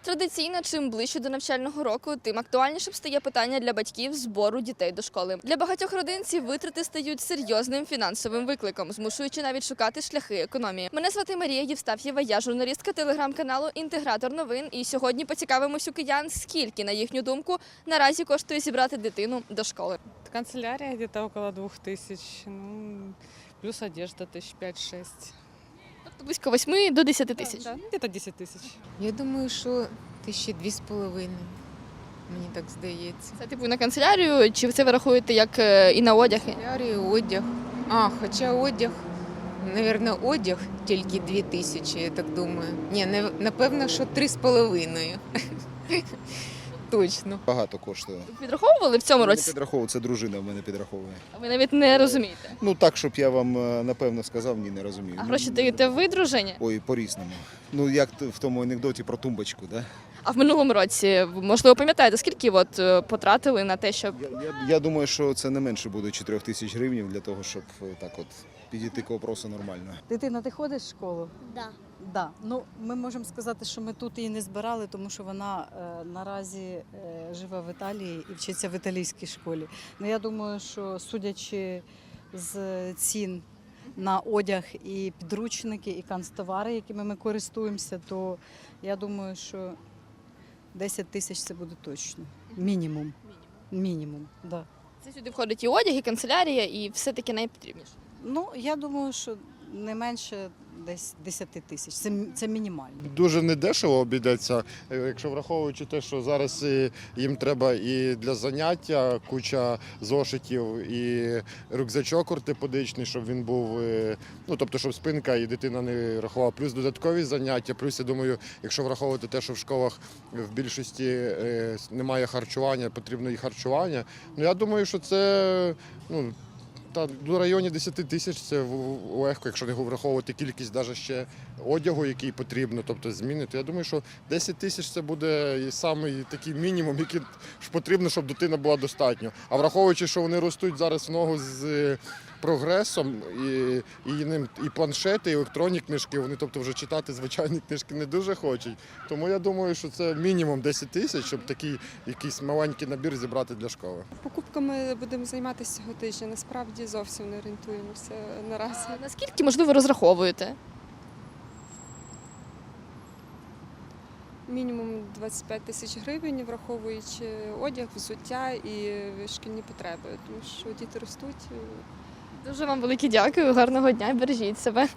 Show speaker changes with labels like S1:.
S1: Традиційно, чим ближче до навчального року, тим актуальнішим стає питання для батьків збору дітей до школи. Для багатьох родин ці витрати стають серйозним фінансовим викликом, змушуючи навіть шукати шляхи економії. Мене звати Марія Євстаф'єва, я журналістка телеграм-каналу «Інтегратор новин». І сьогодні поцікавимось у киян, скільки, на їхню думку, наразі коштує зібрати дитину до школи.
S2: Канцелярия где-то около 2000, плюс одежда 5-6.
S1: Тобто близько 8 до 10 тисяч.
S2: Да, где-то 10 тысяч.
S3: Я думаю, що 2,5 тисячі. Мені так здається.
S1: Це типу на канцелярію, чи це ви рахуєте як і на одяг?
S3: Канцелярію, одяг. Хоча одяг, мабуть, одяг тільки 2 тисячі, я так думаю. Ні, напевно, що 3,5. Точно.
S4: Багато коштує.
S1: Підраховували в цьому
S4: Не
S1: році?
S4: підраховую, це дружина в мене підраховує.
S1: А ви навіть не розумієте.
S4: Ну так, щоб я вам напевно сказав, ні, не розумію.
S1: А гроші даєте ви, дружині?
S4: Ой, по-різному. Ну як в тому анекдоті про тумбочку, да?
S1: А в минулому році, можливо, пам'ятаєте, скільки потратили на те, щоб...
S4: Я думаю, що це не менше буде 4 тисяч гривень для того, щоб так от підійти к вопросу нормально.
S5: Дитина, ти ходиш в школу?
S6: Да.
S5: Да. Ну, ми можемо сказати, що ми тут її не збирали, тому що вона наразі живе в Італії і вчиться в італійській школі. Ну, я думаю, що судячи з цін на одяг і підручники, і канцтовари, якими ми користуємося, то я думаю, що 10 тисяч це буде точно. Мінімум. Мінімум, так. Да.
S1: Це сюди входить і одяг, і канцелярія, і все таки найпотрібніше.
S5: Ну, я думаю, що не менше десь 10 тисяч. Це мінімально.
S7: Дуже недешево обійдеться, якщо враховуючи те, що зараз їм треба і для заняття куча зошитів, і рюкзачок ортопедичний, щоб він був, тобто, щоб спинка і дитина не рахувала. Плюс додаткові заняття, плюс, я думаю, якщо враховувати те, що в школах в більшості немає харчування, потрібно і харчування, я думаю, що це, до районі 10 тисяч це легко, якщо не враховувати кількість навіть ще одягу, який потрібно, тобто зміни, то я думаю, що 10 тисяч це буде і самий такий мінімум, який потрібно, щоб дитина була достатньо. А враховуючи, що вони ростуть зараз в ногу з прогресом, і планшети, і електронні книжки, вони тобто вже читати звичайні книжки не дуже хочуть. Тому я думаю, що це мінімум 10 тисяч, щоб такий якийсь маленький набір зібрати для школи.
S8: Покупками будемо займатися цього тижня. Насправді зовсім не орієнтуємося наразі.
S1: А наскільки, можливо, розраховуєте?
S8: Мінімум 25 тисяч гривень, враховуючи одяг, взуття і шкільні потреби, тому що діти ростуть.
S1: Дуже вам велике дякую, гарного дня, бережіть себе.